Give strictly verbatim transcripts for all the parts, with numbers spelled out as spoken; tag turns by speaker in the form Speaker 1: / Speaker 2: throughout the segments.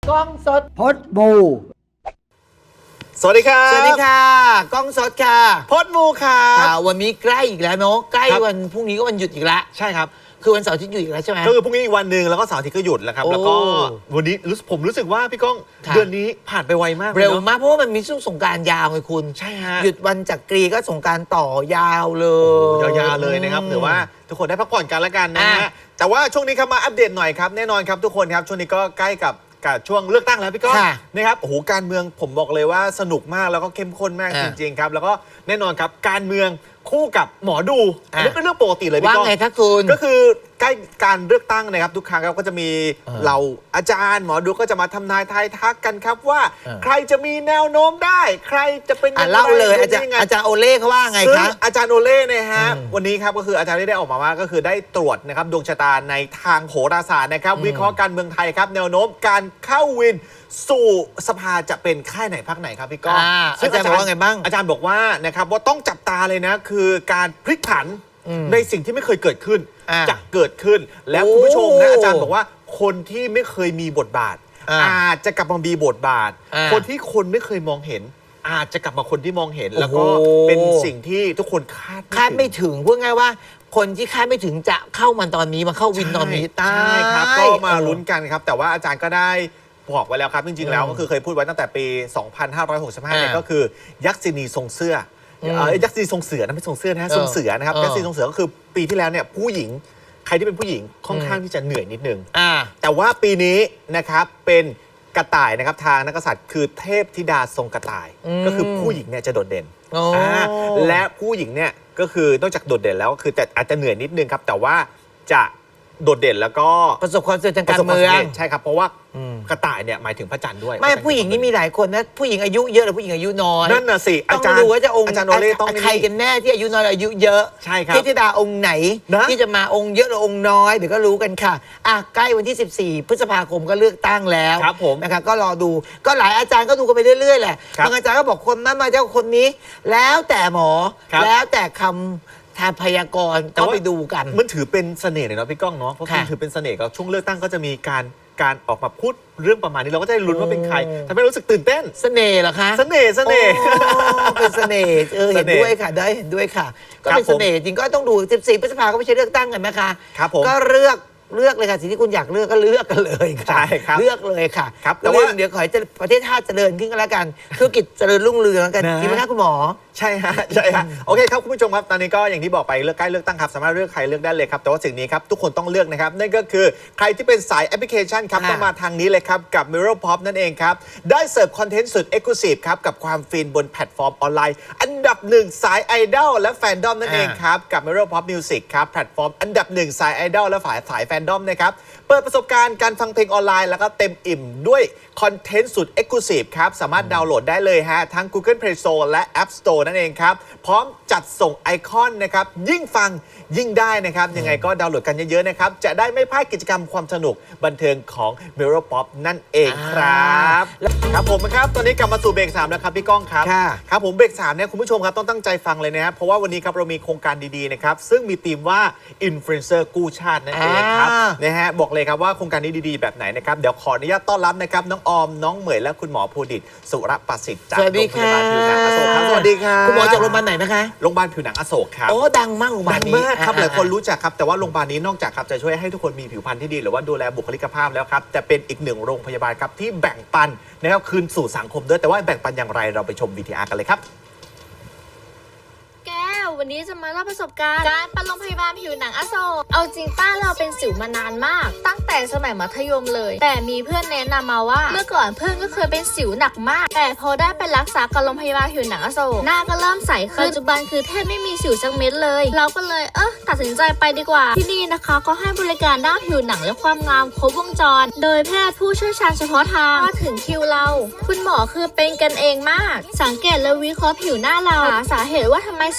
Speaker 1: กล้องสด
Speaker 2: พดบู
Speaker 3: สวัสดีครับ
Speaker 1: สวัสดีค่ะกล้องสดค่ะ
Speaker 3: พดบูครับ
Speaker 1: วันนี้ใกล้อีกแล้วเนาะใกล้วันพรุ่งนี้ก็วันหยุดอีกแล้ว
Speaker 3: ใช่ครับ
Speaker 1: คือวันเสาร์อาทิตย์หยุดอีกแล้วใช่ไหม
Speaker 3: ก็คือพรุ่งนี้อีกวันหนึ่งแล้วก็เสาร์อาทิตย์ก็หยุดแล้วครับแล้วก็วันนี้รู้ผมรู้สึกว่าพี่ก้องเดือนนี้ผ่านไปไวมาก
Speaker 1: เร็วมากเพราะว่ามันมีช่วงสงกรานต์ยาวไงคุณ
Speaker 3: ใช่ฮะ
Speaker 1: หยุดวันจักรีก็สงกรานต์ต่อยาวเลย
Speaker 3: ยาวๆเลยนะครับถือว่าทุกคนได้พักผ่อนกันแล้วกันนะฮะแต่ว่าช่วงนี้ครับมาอัปเดตหน่อยครับแน่นอนครับทุกคนครับช่วงนี้ก็ใกล้กับกับช่วงเลือกตั้งแล้วพี่ก้องนะครับโอ้โหการเมืองผมบอกเลยว่าสนุกมากแล้วก็เข้มข้นมากจริงๆครับแล้วก็แน่นอนครับการเมืองคู่กับหมอดูอันนี้เป็นเรื่องปกติเลยพี่ก้อง
Speaker 1: ว่าไงทักคุณ
Speaker 3: ก็คือใกล้การเลือกตั้งนะครับทุกครั้งก็จะมีเราอาจารย์หมอดูก็จะมาทำนายทายทักกันครับว่าใครจะมีแนวโน้มได้ใครจะเป็นยังไง
Speaker 1: เล่าเลยอาจารย์อาจารย์โอเล่เขาว่าไงครับ
Speaker 3: อาจารย์โอเล่เนี่ยฮะวันนี้ครับก็คืออาจารย์ได้ออกมาว่าก็คือได้ตรวจนะครับดวงชะตาในทางโหราศาสตร์นะครับวิเคราะห์การเมืองไทยครับแนวโน้มการเข้าวินสู่สภาจะเป็นค่ายไหนพรรคไหนครับพี่ก้อง
Speaker 1: อาจารย์บอกว่าไงบ้าง
Speaker 3: อาจารย์บอกว่านะครับว่าต้องจับตาเลยนะคือการพลิกผันในสิ่งที่ไม่เคยเกิดขึ้นจะเกิดขึ้นแล้วคุณผู้ชมนะอาจารย์บอกว่าคนที่ไม่เคยมีบทบาทอาจจะกลับมามีบทบาทคนที่คนไม่เคยมองเห็นอาจจะกลับมาคนที่มองเห็นแล้วก็เป็นสิ่งที่ทุกคนคาด
Speaker 1: คาดไม่ถึงพูดง่ายว่าคนที่คาดไม่ถึงจะเข้ามันตอนนี้มาเข้าวินตอนนี้
Speaker 3: ใช่ครับก็มาลุ้นกันครับแต่ว่าอาจารย์ก็ได้บอกไว้แล้วครับจริงๆแล้วก็คือเคยพูดไว้ตั้งแต่ปีสองพันห้าร้อยหกสิบห้าเนี่ยก็คือยักษินีทรงเสื้อยักษ์ซีทรงเสือนะไม่ทรงเสื้อนะฮะทรงเสือนะครับยักษ์ซีทรงเสือก็คือปีที่แล้วเนี่ยผู้หญิงใครที่เป็นผู้หญิงค่อนข้างที่จะเหนื่อยนิดนึงแต่ว่าปีนี้นะครับเป็นกระต่ายนะครับทางนักกษัตริย์คือเทพธิดาทรงกระต่ายก็คือผู้หญิงเนี่ยจะโดดเด่นและผู้หญิงเนี่ยก็คือนอกจากโดดเด่นแล้วก็คือแต่อาจจะเหนื่อยนิดนึงครับแต่ว่าจะโดดเด่นแล้วก็
Speaker 1: ประสบความสำเร็จทางการเมือง
Speaker 3: ใช่ครับเพราะว่ากระต่ายเนี่ยหมายถึงพระจันทร์ด้วย
Speaker 1: ไม่ผู้หญิงนี่มีหลายคนนะผู้หญิงอายุเยอะหรือผู้หญิงอายุน้อย
Speaker 3: นั่นน่ะสิ
Speaker 1: อาจารย์ดูว่าจะองค์
Speaker 3: อาจารย์โอเล่ต้อง
Speaker 1: ใครกันแน่ที่อายุน้อยอายุเยอะ
Speaker 3: ใช่ครับ
Speaker 1: เทพธิดาองค์ไหนที่จะมาองค์เยอะหรือองค์น้อยเดี๋ยวก็รู้กันค่ะอ่ะใกล้วันที่สิบสี่พฤษภาคมก็เลือกตั้งแล้วนะครับก็รอดูก็หลายอาจารย์ก็ดูกันไปเรื่อยๆแหละบางอาจารย์ก็บอกคนนั้นมาเจ้าคนนี้แล้วแต่หมอแล้วแต่คำทางพยากรณ์ก็ไปดูกัน
Speaker 3: มันถือเป็นเสน่ห์เลยเนาะพี่ก้องเนาะเพราะมันถือเป็นเสน่ห์กับช่วงเลือกตั้งก็จะมีการการออกมาพูดเรื่องประมาณนี้เราก็จะลุ้นว่าเป็นใครทำให้รู้สึกตื่นเต้น
Speaker 1: เสน่ห์เหรอคะ
Speaker 3: เสน่ห์เสน่ห์
Speaker 1: เป็นเสน่ห์เออเห็นด้วยค่ะได้เห็นด้วยค่ะก็เป็นเสน่ห์จริงก็ต้องดูสิบสี่พฤษภาคมก็ไม่ใช่เลือกตั้งกันนะคะก็เลือกเลือกเลยค่ะสิ่งที่คุณอยากเลือกก็เลือกกันเลยค่ะ
Speaker 3: ใช่ครับ
Speaker 1: เลือกเลยค่ะแต่ว่าเดี๋ยวขอให้ประเทศชาติเจริญขึ้นก็แล้วกันธุรกิจเจริญรุ่งเรืองกันจริงไหมคะคุณหมอ
Speaker 3: ใช่ฮะใช่ฮะโอเคครับคุณผู้ชมครับตอนนี้ก็อย่างที่บอกไปเลือกใกล้เลือกตั้งครับสามารถเลือกใครเลือกได้เลยครับแต่ว่าสิ่งนี้ครับทุกคนต้องเลือกนะครับนั่นก็คือใครที่เป็นสายแอปพลิเคชันครับต้องมาทางนี้เลยครับกับ Mirror Pop นั่นเองครับได้เสิร์ฟคอนเทนต์สุด Exclusive ครับกับความฟินบนแพลตฟอร์มออนไลน์อันดับหนึ่งสายไอดอลและแฟนดอมนั่นเองครับกับ Mirror Pop Music ครับแพลตฟอร์มอันดับหนึ่งสายไอดอลและฝ่ายสายแฟนดอมนะครับเปิดประสบการณ์การฟังเพลงออนไลน์แล้วก็เต็มอิ่มด้วยคอนเทนต์สุด Exclusive ครับสามารถดาวน์โหลดได้เลยฮะทั้ง Google Play Store และ App Store นั่นเองครับพร้อมจัดส่งไอคอนนะครับยิ่งฟังยิ่งได้นะครับยังไงก็ดาวน์โหลดกันเยอะๆนะครับจะได้ไม่พลาดกิจกรรมความสนุกบันเทิงของ Mirror Pop นั่นเองครับครับผมครับตอนนี้กลับมาสู่เบรกสามแล้วครับพี่ก้องครับครับผมเบรกสามเนี่ยคุณผู้ชมครับต้องตั้งใจฟังเลยนะครับเพราะว่าวันนี้ครับเรามีโครงการดีๆนะครับซึ่งมีธีมว่า Influencer กู้ชาตินั่นเองครับนะฮะบอกเลยครับว่าโครงการนี้ดีๆแบบไหนนะครับเดี๋ยวขออนุญาตต้อนรับนะครับน้องออมน้องเหมยและคุณหมอภูดิตสุรประสิทธิ์จากโรงพยาบาลผิวหนังอโศกครับสวัสดีครับ
Speaker 1: คุณหมอจากโรงพยาบาลไหนนะคะ
Speaker 3: โรงพยาบาลผิวหนังอโศกครับ
Speaker 1: โอ้ดังมากโรงพยาบาลนี้
Speaker 3: ดังมากครับหลายคนรู้จักครับแต่ว่าโรงพยาบาลนี้นอกจากครับจะช่วยให้ทุกคนมีผิวพรรณที่ดีหรือว่าดูแลบุคลิกภาพแล้วครับแต่เป็นอีกหนึ่งโรงพยาบาลครับที่แบ่งปันนะครับคืนสู่สังคมด้วยแต่ว่าแบ่งปันอย่างไรเราไปชม วี ที อาร์ กันเลยครับ
Speaker 4: วันนี้จะมาเล่าประสบการณ์การไปโรงพยาบาลผิวหนังอโศกเอาจริงป้าเราเป็นสิวมานานมากตั้งแต่สมัยมัธยมเลยแต่มีเพื่อนแนะนำมาว่าเมื่อก่อนเพื่อนก็เคยเป็นสิวหนักมากแต่พอได้ไปรักษากับโรงพยาบาลผิวหนังอโศกหน้าก็เริ่มใสขึ้นปัจจุบันคือแทบไม่มีสิวสักเม็ดเลยเราก็เลยเออตัดสินใจไปดีกว่าที่นี่นะคะก็ให้บริการด้านผิวหนังและความงามครบวงจรโดยแพทย์ผู้เชี่ยวชาญเฉพาะทางมาถึงคิวเราคุณหมอคือเป็นกันเองมากสังเกตและวิเคราะห์ผิวหน้าเราหาสาเหตุว่าทำไมสิวถึงขึ้น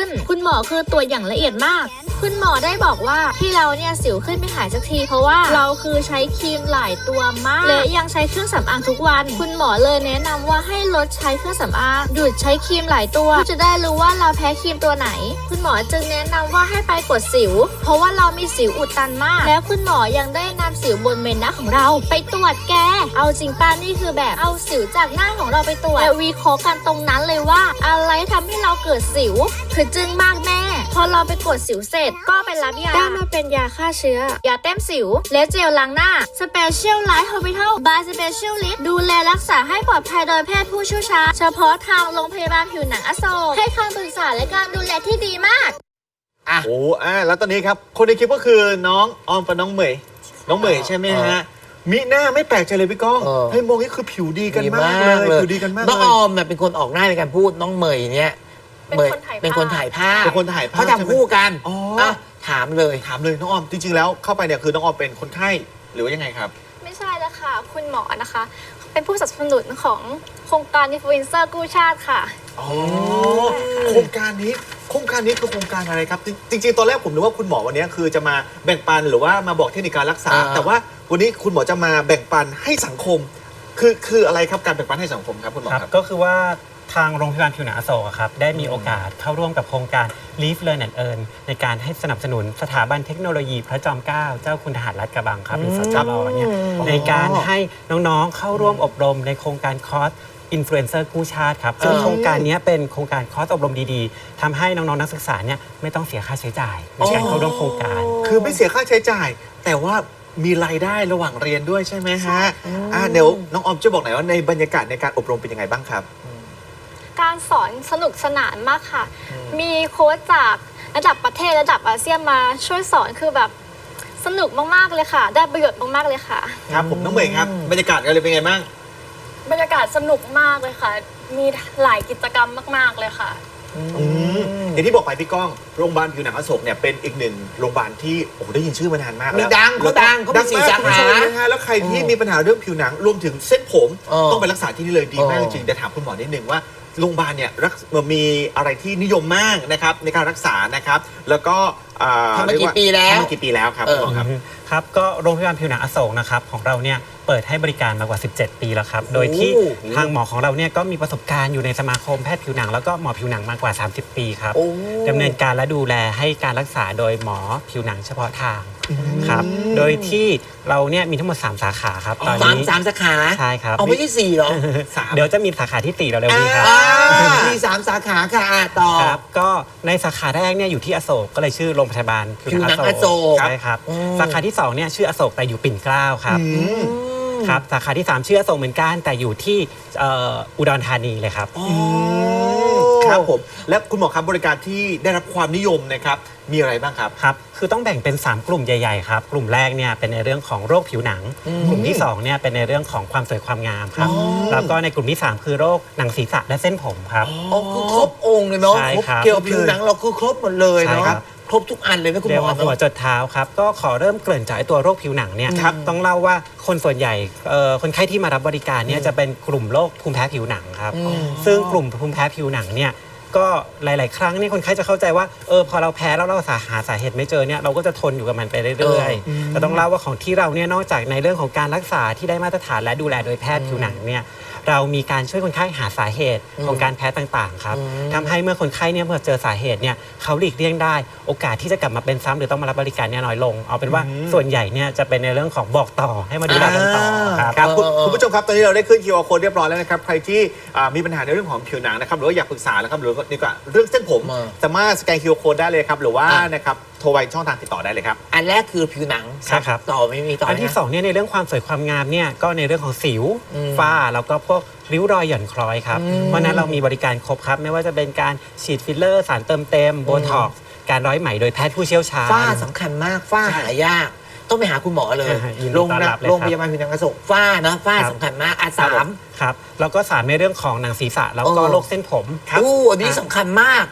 Speaker 4: ขึ้นคุณหมอคือตัวอย่างละเอียดมากคุณหมอได้บอกว่าที่เราเนี่ยสิวขึ้นไม่หายสักทีเพราะว่าเราคือใช้ครีมหลายตัวมากและยังใช้เครื่องสำอางทุกวันคุณหมอเลยแนะนำว่าให้ลดใช้เครื่องสำอางหยุดใช้ครีมหลายตัวเพื่อจะได้รู้ว่าเราแพ้ครีมตัวไหนคุณหมอจึงแนะนำว่าให้ไปกดสิวเพราะว่าเรามีสิวอุดตันมากแล้วคุณหมอยังได้นำสิวบนเมนหน้าของเราไปตรวจแกเอาจริงป้านี่คือแบบเอาสิวจากหน้าของเราไปตรวจและวิเคราะห์กันตรงนั้นเลยว่าอะไรทำให้เราเกิดสิวคือจึงมากแม่พอเราไปกดสิวเสร็จก็ไปรับยาได้มาเป็นยาฆ่าเชื้อยาแต้มสิวและเจลล้างหน้า Special Light Hospital by Specialist ดูแลรักษาให้ปลอดภัยโดยแพทย์ผู้เชี่ยวชาญเฉพาะทางโรงพยาบาลผิวหนังอโศกให้คำปรึกษาและการดูแลที่ดีมาก
Speaker 3: อ่ะโอ้อ่ะแล้วตอนนี้ครับคนในคลิปก็คือน้องออมกับน้องเหมยน้องเหมยใช่ไหมฮะมิหน้าไม่แปลกใจเลยพี่ก้องให้มองนี่คือผิวดีกันมากเลยผิวดีกันมากเลย
Speaker 1: น้องออมเนี่ยเป็นคนออกหน้าในการพูดน้องเหมยเนี่ยเป็นคนถ่ายภาพ
Speaker 3: เป็นคนถ่ายภาพ
Speaker 1: เขาทำคู่กัน
Speaker 3: อ๋อ
Speaker 1: ถามเลย
Speaker 3: ถามเลยน้องออมจริงๆแล้วเข้าไปเนี่ยคือน้องออมเป็นคนไข้หรือว่ายังไงครับ
Speaker 2: ไม่ใช่แล้วค่ะคุณหมอนะคะเป็นผู้สนับสนุนของโครงการอินฟลูเอนเซอร์กู้ชาติค่ะ
Speaker 3: อ๋อโครงการนี้โครงการนี้คือโครงการอะไรครับจริงๆตอนแรกผมนึกว่าคุณหมอวันนี้คือจะมาแบ่งปันหรือว่ามาบอกเทคนิคการรักษาแต่ว่าวันนี้คุณหมอจะมาแบ่งปันให้สังคมคือคืออะไรครับการแบ่งปันให้สังคมครับคุณหมอครับ
Speaker 5: ก็คือว่าทางโรงพยาบาลผิวหนังอโศกครับได้มีโอกาสเข้าร่วมกับโครงการ Live Learn and Earn ในการให้สนับสนุนสถาบันเทคโนโลยีพระจอมเกล้าเจ้าคุณทหารลาดกระบังครับหรือสจรเนี่ยในการให้น้องๆเข้าร่วมอบรมในโครงการคอร์สอินฟลูเอนเซอร์กู้ชาติครับซึ่งโครงการนี้เป็นโครงการคอร์สอบรมดีๆทำให้น้องๆนักศึกษาเนี่ยไม่ต้องเสียค่าใช้จ่ายในการเข้าร่วมโครงการ
Speaker 3: คือไม่เสียค่าใช้จ่ายแต่ว่ามีรายได้ระหว่างเรียนด้วยใช่ไหมฮะอ่าเดี๋ยวน้องออมจะบอกหน่อยว่าในบรรยากาศในการอบรมเป็นยังไงบ้างครับ
Speaker 2: การสอนสนุกสนานมากค่ะ มีโค้ชจากระดับประเทศระดับอาเซียนมาช่วยสอนคือแบบสนุกมากๆเลยค่ะ ได้ประโยชน์มากๆเลยค่ะ
Speaker 3: ครับผมน้องเหมยครับบรรยากาศกันเลยเป็นไงบ้าง
Speaker 2: บรรยากาศสนุกมากเลยค่ะมีหลายกิจกรรมมากๆเลยค่ะ
Speaker 3: อย่างที่บอกไปพี่ก้องโรงพยาบาลผิวหนังอโศกเนี่ยเป็นอีกหนึ่งโรงพยาบาลที่โอ้ได้ยินชื่อมานานมากแล้ว
Speaker 1: ดังเขาดังเขาเป็นสีสาขา
Speaker 3: แล้วใครที่มีปัญหาเรื่องผิวหนังรวมถึงเส้นผมต้องไปรักษาที่นี่เลยดีมากจริงๆแต่ถามคุณหมอนิดนึงว่าโรงพยาบาลเนี่ยมีอะไรที่นิยมมากนะครับในการรักษานะครับแล้วก็
Speaker 1: ทำมากี่ปีแล้ว
Speaker 3: ทำมากี่ปีแล้วครับคุณหมอครับ
Speaker 5: ครับก็โรงพยาบาลผิวหนังอโศกนะครับของเราเนี่ยเปิดให้บริการมากว่าสิบเจ็ดปีแล้วครับโดยที่ทางหมอของเราเนี่ยก็มีประสบการณ์อยู่ในสมาคมแพทย์ผิวหนังแล้วก็หมอผิวหนังมากกว่าสามสิบปีครับดำเนินการและดูแลให้การรักษาโดยหมอผิวหนังเฉพาะทางครับโดยที่เราเนี่ยมีทั้งหมดสามสาขาครับ
Speaker 1: ตอนนี้สามสาขา
Speaker 5: ใช่ครับ
Speaker 1: เอาไม่ใช่สี่หรอ
Speaker 5: เดี๋ยวจะมีสาขาที่สี่เราเร็วนี้ครับ
Speaker 1: มีสามสาขาค่ะต่อ
Speaker 5: ครับก็ในสาขาแรกเนี่ยอยู่ที่อโศกก็เลยชื่อโรงพยาบาล
Speaker 1: ผิวหนังอโศก
Speaker 5: ใช่ครับสาขาที่สองเนี่ยชื่ออโศกแต่อยู่ปิ่นเกล้าครับครับสาขาที่สามชื่ออโศกเหมือนกันแต่อยู่ที่อุดรธานีเลยครับ
Speaker 3: ครับผมและคุณหมอครับบริการที่ได้รับความนิยมนะครับมีอะไรบ้างครับ
Speaker 5: ครับคือต้องแบ่งเป็นสามกลุ่มใหญ่ๆครับกลุ่มแรกเนี่ยเป็นในเรื่องของโรคผิวหนังกลุ่มที่สองเนี่ยเป็นในเรื่องของความสวยความงามครับแล้วก็ในกลุ่มที่สามคือโรคหนังศีรษะและเส้นผมครับ
Speaker 1: อ๋อคือครบองค์เลยเนาะเกี่ยวกับผิวหนังเราคือครบหมดเลยเนาะครบทุกอันเลยนะคุณหมอ
Speaker 5: หัวจดเท้าครับก็ขอเริ่มเกริ่นจากตัวโรคผิวหนังเนี่ยต้องเล่าว่าคนส่วนใหญ่คนไข้ที่มารับบริการเนี่ยจะเป็นกลุ่มโรคภูมิแพ้ผิวหนังครับซึ่งกลุ่มภูมิแพ้ผิวหนังเนี่ยก็หลายๆครั้งนี่คนไข้จะเข้าใจว่าเออพอเราแพ้แล้วเราหาสาเหตุไม่เจอเนี่ยเราก็จะทนอยู่กับมันไปเรื่อยๆแต่ต้องเล่าว่าของที่เราเนี่ยนอกจากในเรื่องของการรักษาที่ได้มาตรฐานและดูแลโดยแพทย์ผิวหนังเนี่ยเรามีการช่วยคนไข้หาสาเหตุของการแพ้ต่างๆครับทำให้เมื่อคนไข้เนี่ยเมื่อเจอสาเหตุเนี่ยเขาหลีกเลี่ยงได้โอกาสที่จะกลับมาเป็นซ้ำหรือต้องมารับบริการเนี่ยน้อยลงเอาเป็นว่าส่วนใหญ่เนี่ยจะเป็นในเรื่องของบอกต่อให้มาดูแลกันต่อ
Speaker 3: ครับคุณผู้ชมครับตอนนี้เราได้ขึ้น คิว อาร์ Code เรียบร้อยแล้วนะครับใครที่มีปัญหาในเรื่องของผิวหนังนะครับหรือว่าอยากปรึกษานะครับหรือนี่ก็เรื่องเส้นผมสามารถสแกน คิว อาร์ Code ได้เลยครับหรือว่านะครับโทรไปช่องทางติดต่อได้เลยครับ
Speaker 1: อันแรกคือผิวหนัง
Speaker 5: ใช่ครับ
Speaker 1: ต่อไม่มีต่อ
Speaker 5: อันที่สองเนี่ยในเรื่องความสวยความงามเนี่ยก็ในเรื่องของสิวฝ้าแล้วก็พวกริ้วรอยหย่อนคล้อยครับเพราะนั้นเรามีบริการครบครับไม่ว่าจะเป็นการฉีดฟิลเลอร์สารเติมเต็มโบท็อกซ์การร้อยไหมโดยแพทย์ผู้เชี่ยวชาญ
Speaker 1: ฝ้าสำคัญมากฝ้าหายากต้องไปหาคุณหมอเลยโรงโรงพยาบาลผิวหนังอโศกฝ้านะฝ้าสำคัญมากอ่ะสาม
Speaker 5: ครับแล้วก็สามในเรื่องของหนังศีรษะแล้วก็โรคเส้นผม
Speaker 1: ครับอู้อันนี้สำคัญมาก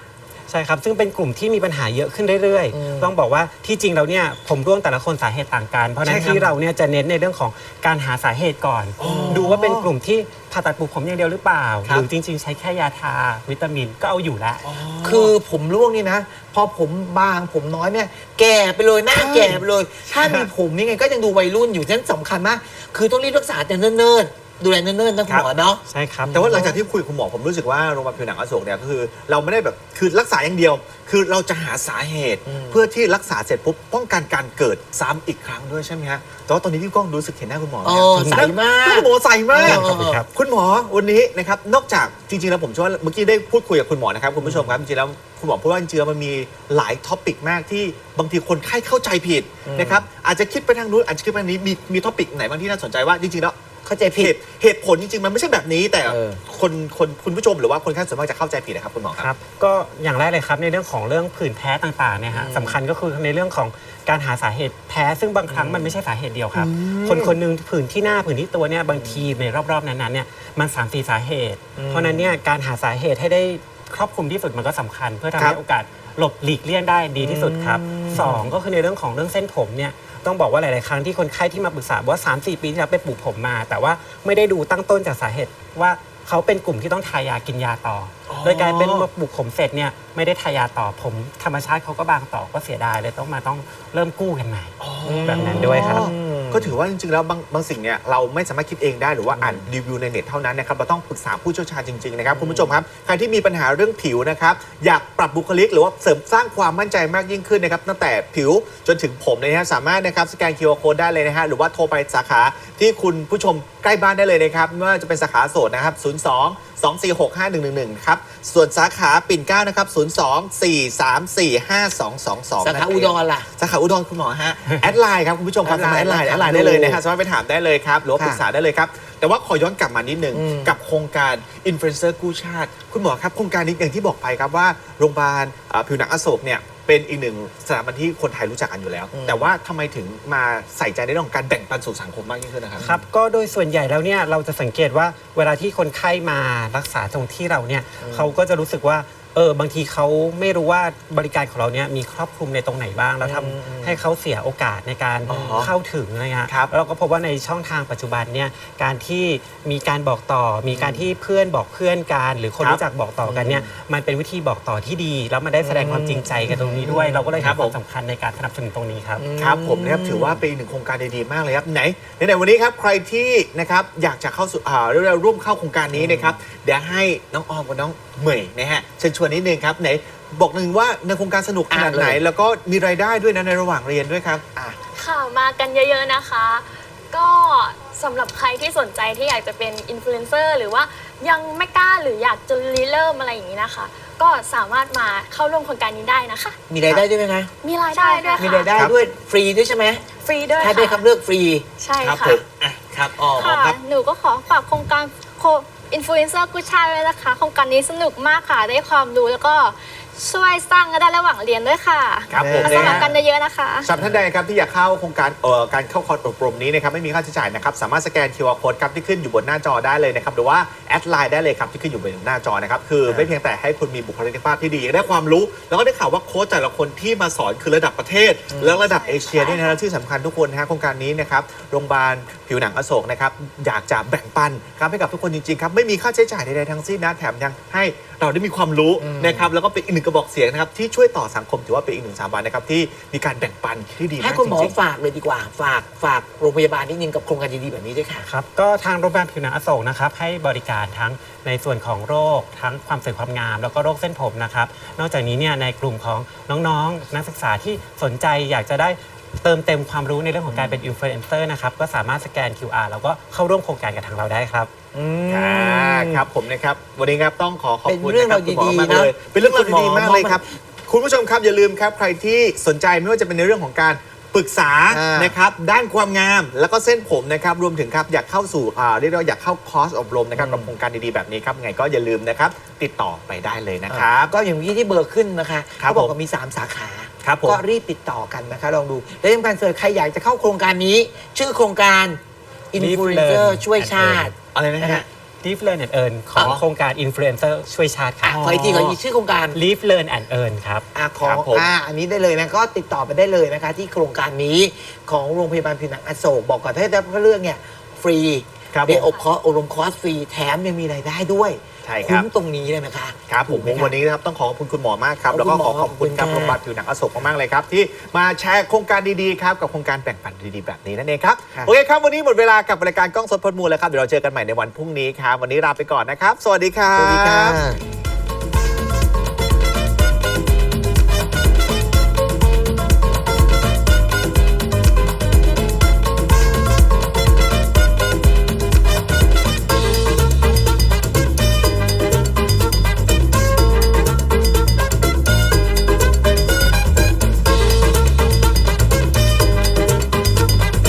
Speaker 5: ใช่ครับซึ่งเป็นกลุ่มที่มีปัญหาเยอะขึ้นเรื่อยๆต้องบอกว่าที่จริงเราเนี่ยผมร่วงแต่ละคนสาเหตุต่างกันเพราะฉะนั้นที่เราเนี่ยจะเน้นในเรื่องของการหาสาเหตุก่อน ดูว่าเป็นกลุ่มที่ผ่าตัดปลูกผมอย่างเดียวหรือเปล่าหรือจริงๆใช้แค่ยาทาวิตามินก็เอาอยู่แล้ว
Speaker 1: คือผมร่วงนี่นะ พอผมบางผมน้อยเนี่ยแก่ไปเลยหน้าแก่ไปเลย ถ้ามีผมยังไงก็ยังดูวัยรุ่นอยู่ฉะนั้นสำคัญมากคือต้องรีบรักษาแต่เนิ่นๆดูแลเนิ่นๆนะคุณหมอเนาะ
Speaker 5: ใช่ครับ
Speaker 3: แต่ว่าหลังจากที่คุยกับคุณหมอผมรู้สึกว่าโรงพยาบาลผิวหนังอโศกเนี่ยก็คือเราไม่ได้แบบคือรักษาอย่างเดียว คือเราจะหาสาเหตุเพื่อที่รักษาเสร็จปุ๊บป้องกันการเกิดซ้ำอีกครั้งด้วยใช่ไหมฮะแต่ว่าตอนนี้พี่ก้องรู้สึกเห็นหน้าคุณหมอ
Speaker 1: อ๋อใสมาก
Speaker 3: คุณหมอใสมาก
Speaker 1: ขอบคุณครับ
Speaker 3: คุณหมอวันนี้นะครับนอกจากจริงๆแล้วผมเชื่อว่าเมื่อกี้ได้พูดคุยกับคุณหมอนะครับคุณผู้ชมครับจริงๆแล้วคุณหมอพูดว่าจริงๆแล้วมันมีหลายท็อปิกมากที่บางทีคนไข้เข้าใจผิดนะครับอาจจะคิดไปทางนู้นอาจจะคิดไปทางนี้มีมีท็อปิกไหนบ้างที่น่าสนใจว่าจริงๆแล้ว
Speaker 1: เข้าใจผิ
Speaker 3: เห
Speaker 1: ด
Speaker 3: ตุเหตุผลจริงๆ มันไม่ใช่แบบนี้แต่
Speaker 1: เออ
Speaker 3: คนคนคุณผู้ชมหรือว่าคนไข้ส่วนมากจะเข้าใจผิดนะครับคุณหมอค
Speaker 5: ครับ รับก็อย่างแรกเลยครับในเรื่องของเรื่องผื่นแพ้ต่างๆเนี่ยฮะสำคัญก็คือในเรื่องของการหาสาเหตุแพ้ซึ่งบางครั้งมันไม่ใช่สาเหตุเดียวครับ คนคนหนึงผื่นที่หน้าผื่นที่ตัวเนี่ยบางทีในรอบๆนั้นๆเนี่ยมันสามสี่สาเหตุ เพราะฉะนั้นเนี่ยการหาสาเหตุให้ได้ครอบคลุมที่สุดมันก็สำคัญ เพื่อทำให้โอกาสหลบหลีกเลี่ยงได้ดีที่สุดครับสองก็คือในเรื่องของเรื่องเส้นผมเนี่ยต้องบอกว่าหลายๆครั้งที่คนไข้ที่มาปรึกษาว่า สามสี่ ปีที่แล้วไปปลูกผมมา แต่ว่าไม่ได้ดูตั้งต้นจากสาเหตุว่าเขาเป็นกลุ่มที่ต้องทายากินยาต่อ โดยกลายเป็นมาปลูกผมเสร็จเนี่ยไม่ได้ทายาต่อผมธรรมชาติเขาก็บางต่อก็เสียดายเลยต้องมาต้องเริ่มกู้กันใหม่แบบนั้นด้วยครับ
Speaker 3: ก็ถือว่าจริงๆ แล้วบางบางสิ่งเนี่ยเราไม่สามารถคิดเองได้หรือว่าอ่านรีวิวในเน็ตเท่านั้นนะครับเราต้องปรึกษาผู้เชี่ยวชาญจริงๆนะครับคุณผู้ชมครับใครที่มีปัญหาเรื่องผิวนะครับอยากปรับบุคลิกหรือว่าเสริมสร้างความมั่นใจมากยิ่งขึ้นนะครับตั้งแต่ผิวจนถึงผมเลยนะฮะสามารถนะครับสแกน คิว อาร์ Code ได้เลยนะฮะหรือว่าโทรไปสาขาที่คุณผู้ชมใกล้บ้านได้เลยนะครับไม่ว่าจะเป็นสาขาโสดนะครับศูนย์ สอง สอง สี่ หก ห้า หนึ่ง หนึ่ง หนึ่งครับส่วนสาขาปิ่นเกล้านะครับศูนย์ สอง สี่ สาม สี่ ห้า สอง สอง สอง
Speaker 1: สาขาอุดรล่ะ
Speaker 3: สาขาอุดรคุณหมอฮะ แอดไลน์ครับคุณผู้ชมครับ
Speaker 1: แอดไลน์
Speaker 3: แอดไลน์แอดไลน์ได้เลยนะฮะสามารถไปถามได้เลยครับหรือว่า
Speaker 1: ค่ะ
Speaker 3: ปรึกษาได้เลยครับ แต่ว่าขอย้อนกลับมานิดนึง
Speaker 1: อืม
Speaker 3: กับโครงการอินฟลูเอนเซอร์กู้ชาติ คุณหมอครับโครงการนี้อย่างที่บอกไปครับว่าโรงพยาบาลเอ่อผิวหนังอโศกเนี่ยเป็นอีกหนึ่งสถาบันที่คนไทยรู้จักกันอยู่แล้ว แต่ว่าทำไมถึงมาใส่ใจในเรื่องของการแบ่งปันสู่สังคมมากยิ่งขึ้นนะครับ
Speaker 5: ครับก็โดยส่วนใหญ่แล้วเนี่ยเราจะสังเกตว่าเวลาที่คนไข้มารักษาตรงที่เราเนี่ยเขาก็จะรู้สึกว่าเออบางทีเขาไม่รู้ว่าบริการของเราเนี่ยมีครอบคลุมในตรงไหนบ้างแล้วทำให้เขาเสียโอกาสในการ
Speaker 3: อ๋อ
Speaker 5: เข้าถึงนะฮะ
Speaker 3: ครับ
Speaker 5: แล้วเราก็พบว่าในช่องทางปัจจุบันเนี่ยการที่มีการบอกต่อ มีการที่เพื่อนบอกเพื่อนกันหรือคน
Speaker 3: ครับ
Speaker 5: รู้จักบอกต่อกันเนี่ยมันเป็นวิธีบอกต่อที่ดี แล้วมันได้แสดงความจริงใจกันตรงนี้ด้วย เราก็เลย
Speaker 3: ครั
Speaker 5: ให้
Speaker 3: บ
Speaker 5: ความสำคัญในการสนับสนุนตรงนี้ครับ
Speaker 3: ครับผมนะครับถือว่าเป็นอีกหนึ่งโครงการดีๆมากเลยครับไหนในวันนี้ครับใครที่นะครับอยากจะเข้าสู่อ่าเรียกว่าร่วมเข้าโครงการนี้นะครับเดี๋ยวให้น้องออมกับน้องเหมยนะฮะเชิญชวนนิดนึงครับไหนบอกหนึ่งว่าในโครงการสนุกขนาดไหน
Speaker 1: อ่ะเลย
Speaker 3: แล้วก็มีรายได้ด้วยนะในระหว่างเรียนด้วยครับอ่ะ
Speaker 6: ค่ะมากันเยอะๆนะคะ ก็สำหรับใครที่สนใจที่อยากจะเป็นอินฟลูเอนเซอร์หรือว่ายังไม่กล้าหรืออยากจะริเริ่มอะไรอย่างนี้นะคะ ก็สามารถมาเข้าร่วมโครงการนี้ได้นะคะ
Speaker 1: มีรายได้ด้วยไหมนะ
Speaker 6: มีรายได้ด้วย
Speaker 1: มี
Speaker 6: ค่ะ
Speaker 1: รายได้
Speaker 3: ครับ
Speaker 1: ด้วยฟรีด้วยใช่ไหม
Speaker 6: ฟรีด้วย
Speaker 1: ถ้าได้
Speaker 6: ค่ะ
Speaker 1: คำเลือกฟรี
Speaker 6: ใช่
Speaker 3: ครับ
Speaker 6: ค่ะ
Speaker 3: ผมอ่ะครับอ๋อ
Speaker 2: ค่ะ
Speaker 3: ครับ
Speaker 2: หนูก็ขอฝากโครงการโคอินฟลูเอนเซอร์กู้ชาติไว้นะคะ โครงการนี้สนุกมากค่ะ ได้ความรู้แล้วก็ช่วยสร้างรายได้ระหว่างเรียนด้วยค่ะ
Speaker 3: ครับผม
Speaker 2: มาสมัครกันเยอะๆนะคะ
Speaker 3: สำหรับท่านใดครับที่อยากเข้าโครงการเอ่อการเข้าคอร์สอบรมนี้นะครับไม่มีค่าใช้จ่ายนะครับสามารถสแกน คิว อาร์ Code ครับที่ขึ้นอยู่บนหน้าจอได้เลยนะครับหรือว่าแอดไลน์ได้เลยครับที่ขึ้นอยู่บนหน้าจอนะครับคือไม่เพียงแต่ให้คุณมีบุคลิกภาพที่ดีได้ความรู้ แล้วก็ได้ข่าวว่าโค้ชแต่ละคนที่มาสอนคือระดับประเทศ และระดับเอเชียด้วยนะและที่สำคัญทุกคนนะฮะโครงการนี้นะครับโรงพยาบาลผิวหนังอโศกนะครับอยากจะแบ่งปันครับให้กับทุกคนจริงๆครับไม่มีค่าใช้จ่ายใดๆทั้งสิ้นนะแถมยังให้เราได้มีความรู้นะครับแล้วก็เป็นอีกหนึ่งกระบอกเสียงนะครับที่ช่วยต่อสังคมถือว่าเป็นอีกหนึ่งสถาบันนะครับที่มีการแบ่งปันที่ดีมาก
Speaker 1: ให้คุณหมอ
Speaker 3: จริงๆ
Speaker 1: ฝากเลยดีกว่า ฝากฝากโรงพยาบาลนิดนึงกับโครงการดีๆแบบนี้ด้วยค่ะ
Speaker 5: ครับก็ทางโรงพยาบาลผิวหนังอโศกนะครับให้บริการทั้งในส่วนของโรคทั้งความสวยความงาม แล้วก็โรคเส้นผมนะครับนอกจากนี้เนี่ยในกลุ่มของน้องๆ นักศึกษาที่สนใจอยากจะได้เติมเต็มความรู้ในเรื่องของการเป็นอินฟลูเอนเซอร์นะครับก็สามารถสแกน คิว อาร์ แล้วก็เข้าร่วมโครงการกับทางเราได้ครับ
Speaker 3: อ่าครับผมนะครับวันนี้ครับต้องขอขอบคุณ
Speaker 1: เป็นเรื่อง
Speaker 3: นะค
Speaker 1: ราว
Speaker 3: คุณหมอ
Speaker 1: ดีๆ
Speaker 3: มากเลย
Speaker 1: นะ
Speaker 3: เป็นเรื่องราว
Speaker 1: ที่คุณหมอ
Speaker 3: ดีๆมากเลย
Speaker 1: มอบ
Speaker 3: ครับ คุณผู้ชมครับอย่าลืมครับใครที่สนใจไม่ว่าจะเป็นในเรื่องของการปรึกษา
Speaker 1: อ่าน
Speaker 3: นะครับด้านความงามแล้วก็เส้นผมนะครับรวมถึงครับอยากเข้าสู่อ่าเรียกได้ว่าอยากเข้าคอร์สอบรมนะครับกับโครงการดีๆแบบนี้ครับไงก็อย่าลืมนะครับติดต่อไปได้เลยนะครับ
Speaker 1: ก็อย่างเมื่อกี้ที่เบอร์ขึ้นนะคะ
Speaker 3: ครับ
Speaker 1: เขาบอก
Speaker 3: ผม
Speaker 1: ว่ามีสามสาขา
Speaker 3: ครับผม
Speaker 1: ก็รีบติดต่อกันนะคะ ลองดู และที่สำคัญเลยใครอยากจะเข้าโครงการนี้ ชื่อโครงการอินฟลูเอนเซอร์ช่วยชาติ
Speaker 3: อะไรนะ
Speaker 1: นะ
Speaker 3: ฮะ
Speaker 1: ฮะ
Speaker 5: Live Learn and Earn ของ
Speaker 1: อ๋อ
Speaker 5: โครงการ Influencer ช่วยชาติค
Speaker 1: อ่ะ
Speaker 5: รับ
Speaker 1: ขออีกทีขออีกชื่อโครงการ
Speaker 5: Live Learn and Earn ครับ
Speaker 1: อ่ะของ
Speaker 3: ครับผม
Speaker 1: อ่าอันนี้ได้เลยนะก็ติดต่อไปได้เลยนะคะ ที่โครงการนี้ของโรงพยาบาลผิวหนังอโศกบอกก่อนถ้าได้เรื่องเนี่ยฟรี
Speaker 3: ครับ
Speaker 1: ได้
Speaker 3: ผม
Speaker 1: อบคอร์สอบรมคอร์สฟรีแถมยังมีรายได้ด้วย
Speaker 3: ใช่ครับ
Speaker 1: คุ้มตรงนี้เลยนะคะ
Speaker 3: ครับผม
Speaker 1: ถูกไห
Speaker 3: วันนี้นะครับต้องขอขอบคุณคุณหมอมากครับ
Speaker 1: ขอบคุณ
Speaker 3: แล้วก็ขอ
Speaker 1: หมอ
Speaker 3: ขอบคุณครับ
Speaker 1: ขอบคุณ
Speaker 3: โรงพยาบาลผิวหนังอโศกมากๆเลยครับ ที่มาแชร์โครงการดีๆครับกับโครงการแบ่งปันดีๆแบบนี้นั่นเองครับ
Speaker 1: ค่ะ
Speaker 3: โอเคครับวันนี้หมดเวลากับรายการกล้องสดพดมูลแล้วครับเดี๋ยวเราเจอกันใหม่ในวันพรุ่งนี้ครับวันนี้ลาไปก่อนนะครับ สวัสดีครับ
Speaker 1: สวัสดีค่ะ